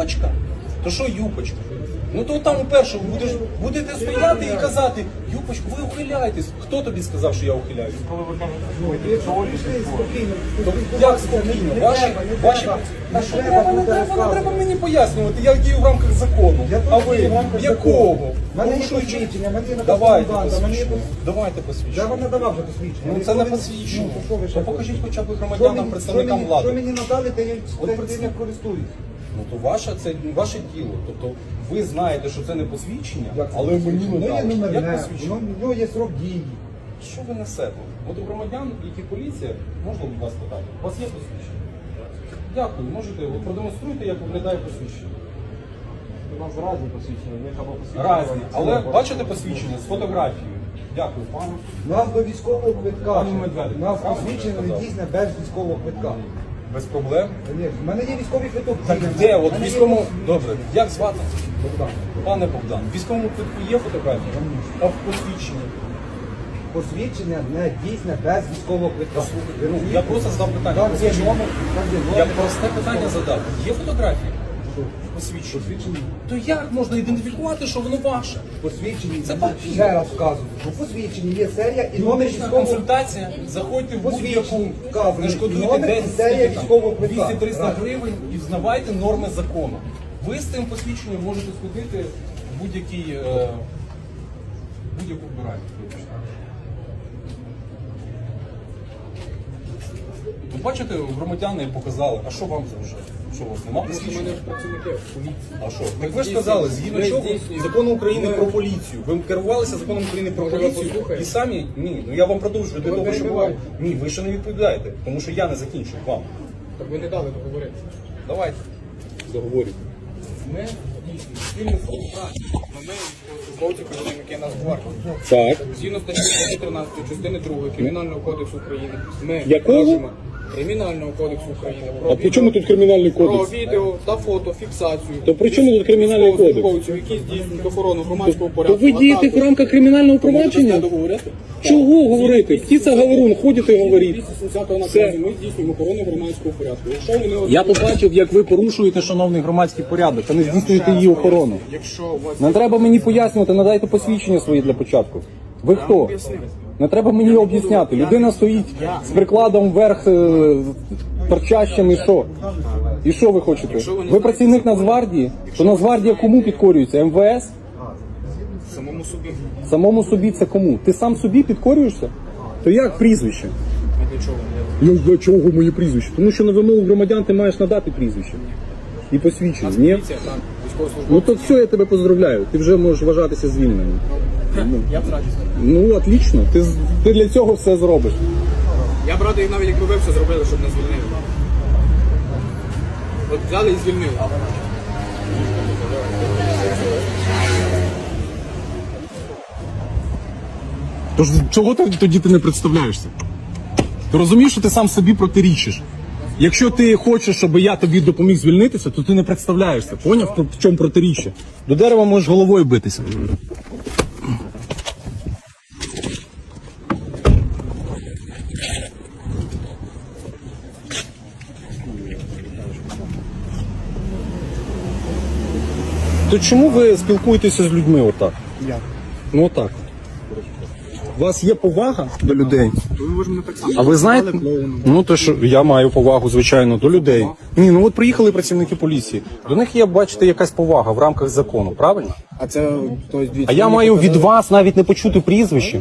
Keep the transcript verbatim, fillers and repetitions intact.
юпочка? То що юпочка? Ну то там у першому будеш, будете стояти і казати, юпочку, ви ухиляєтесь. Хто тобі сказав, що я ухиляюсь? То як спокійно? Ваші, ваші... Та що треба, не треба, не треба мені пояснювати, я дію в рамках закону. А ви? Якого? Порушуючи? Давайте посвідчення. Давайте посвідчення. Я вам не давав вже посвідчення. Ну це не посвідчення. То покажіть хоча б громадянам, представникам Що влади. мені надали, то я тим не користуюсь. Ну то ваше, це ваше діло. Тобто ви знаєте, що це не посвідчення, але мені не Воно є дали. номерне, Як посвідчення? воно в нього є срок дії. Що ви несете? От у громадян, які поліція, можна будь вас питати, у вас є посвідчення? Дякую, можете, от продемонструйте, як виглядає посвідчення. У нас разні посвідчення, в них або посвідчення. Разні, але бачите посвідчення з фотографією? Дякую, пану. У нас до військового квитка. Пані Медведик, У нас правильно посвідчення не сказав? дійсне без військового квитка. Без проблем. У мене є військовий квиток. Так дійсний. де? У От мене є військовому... Добре, як звати? Богдан. Пане Богдан, в військовому квитку є фотографія? А в посвідченні? Посвідчення не дійсне без військового квитка. Ви Ну, я розумієте? просто задав питання. Там є Посвідчення. номер, там є Я номер. просте питання задав. Є фотографії? Посвідчення. То як можна ідентифікувати, що воно ваше? Посвідчені, Це ще раз вказую, що посвідчені є серія і номер Юридична військового. консультація, заходьте в будь-яку, Посвідчення вказує не шкодуйте номер і десять, серія військового квитка. двісті-триста Раз. гривень і взнавайте норми закону. Ви з цим посвідченням можете сходити в будь-який, е, будь-яку вбиральню. Ви бачите, громадяни показали, а що вам заважає? Що у вас нема У посвідчення? мене працівники поліції. А що? Так ви ж сказали, згідно Ми чого здійснюємо. закону України Ми- про поліцію. Ви керувалися законом України про Може, ви поліцію послухаєте? і самі ні. Ну я вам продовжую для Ви того, щоб вам. перебиваєте. Ні, ви ще не відповідаєте, тому що я не закінчив вам. Так ви не дали договорити. Давайте заговорюйте. Ми дійсно спільно співпраці. Ми військовослужбовці, працівники Нацгвардії. Так. Згідно статті тринадцятої частини другої Кримінального кодексу України. Ми Якого? можемо Кримінального кодексу України. Про А при чому тут кримінальний Про кодекс? відео та фото, фіксацію. То при чому тут кримінальний кодекс? Військовослужбовців, які здійснюють охорону громадського То порядку. ви дієте в рамках кримінального провадження? договорити? Чого говорити? Птиця говорун, ходите і говоріть. двісті сімдесятого Все. наказу ми здійснюємо охорону громадського порядку. Якщо вони Я побачив, як ви порушуєте шановний громадський порядок, а не здійснюєте її охорону. Якщо у вас Не треба мені пояснювати, надайте посвідчення свої для початку. Ви хто? Не треба мені об'ясняти. Людина стоїть з прикладом вверх, е, торчащим і що? І що ви хочете? Ви працівник Нацгвардії? То Нацгвардія кому підкорюється? ем ве ес? самому собі, Самому собі це кому? Ти сам собі підкорюєшся? То як прізвище? а для чого? Я для чого моє прізвище? Тому що на вимогу громадян ти маєш надати прізвище. І посвідчення. Ні? Поліція, так, військовослужбовці. Ну то все, я тебе поздравляю. Ти вже можеш вважатися звільненим. Я б радий. Ну, отлично. Ти, з- ти для цього все зробиш. Я б радий, навіть якби ви все зробили, щоб не звільнили. От взяли і звільнили. Тож чого ти тоді ти не представляєшся? Ти розумієш, що ти сам собі протирічиш? Якщо ти хочеш, щоб я тобі допоміг звільнитися, то ти не представляєшся. Поняв, в чому протиріччя? До дерева можеш головою битися. То чому ви спілкуєтеся з людьми отак? Як? Ну отак. У вас є повага до людей? Ви ж мене так само. А ви знаєте? Ну то що я маю повагу, звичайно, до людей. Ні, ну от приїхали працівники поліції. До них є, бачите, якась повага в рамках закону, правильно? А це, то есть, А я маю від вас навіть не почути прізвище.